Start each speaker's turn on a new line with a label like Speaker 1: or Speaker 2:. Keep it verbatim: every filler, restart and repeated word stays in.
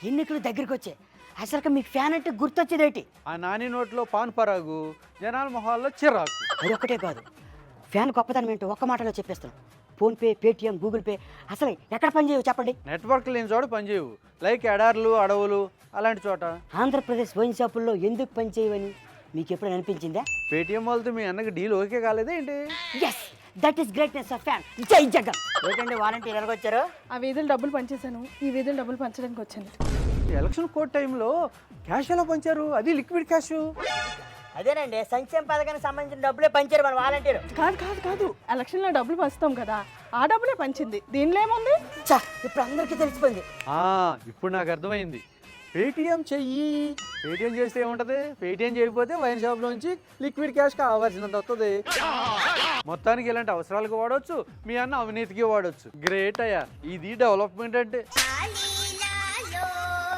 Speaker 1: ఎన్నికలు దగ్గరికి వచ్చాయి, అసలు మీకు ఫ్యాన్ అంటే గుర్తొచ్చేదేంటి?
Speaker 2: ఆ నాని నోట్లో పాన్ పరాగు, జనాల మొహాల్లో చిరాకు.
Speaker 1: అది ఒక్కటే కాదు, ఫ్యాన్ గొప్పతనం ఏంటో ఒక్క మాటలో చెప్పేస్తాను. ఫోన్పే, పేటిఎం, గూగుల్ పే అసలు ఎక్కడ పనిచేయవు చెప్పండి?
Speaker 2: నెట్వర్క్ లేని చోట పనిచేయవు, లైక్ ఎడార్లు, అడవులు అలాంటి చోట.
Speaker 1: ఆంధ్రప్రదేశ్ వైన్ షాపుల్లో ఎందుకు పనిచేయవని మీకు ఎప్పుడైనా అనిపించిందా?
Speaker 2: పేటిఎం వాళ్ళతో మీ అన్నకి డీల్ ఓకే కాలేదే ఏంటి?
Speaker 1: Yes, that is greatness of fan. జై జగన్. ఏంటంటే వాలంటీర్ ఎలాగొచ్చారు?
Speaker 3: ఆ వీధులు డబ్బులు పంచేశాను, ఈ వీధులు డబ్బులు పంచడానికి వచ్చాను.
Speaker 2: ఎలక్షన్ కోడ్ టైంలో క్యాష్ ఎలా పంచారు? అది లిక్విడ్ క్యాష్.
Speaker 1: అదేనండి, సంక్షేమ పథకానికి సంబంధించిన డబ్బులే పంచారు మన వాలంటీర్.
Speaker 3: కాదు కాదు కాదు ఎలక్షన్లో డబ్బులు పంచుతాం కదా, ఆ డబ్బులే పంచింది. దీనిలో ఏముంది?
Speaker 1: చా, ఇప్పుడు అందరికీ తెలిసిపోయింది.
Speaker 2: ఆ, ఇప్పుడు నాకు అర్థమైంది. పేటిఎం చెయ్యి, పేటిఎం చేస్తే ఏముంటది? పేటిఎం చేయకపోతే వైన్ షాప్ నుంచి లిక్విడ్ క్యాష్ కావాల్సినంత వస్తుంది. మొత్తానికి ఇలాంటి అవసరాలకు వాడవచ్చు, మీ అన్న అవినీతికి వాడవచ్చు. గ్రేట్ అయ్యా, ఇది డెవలప్మెంట్ అంటే.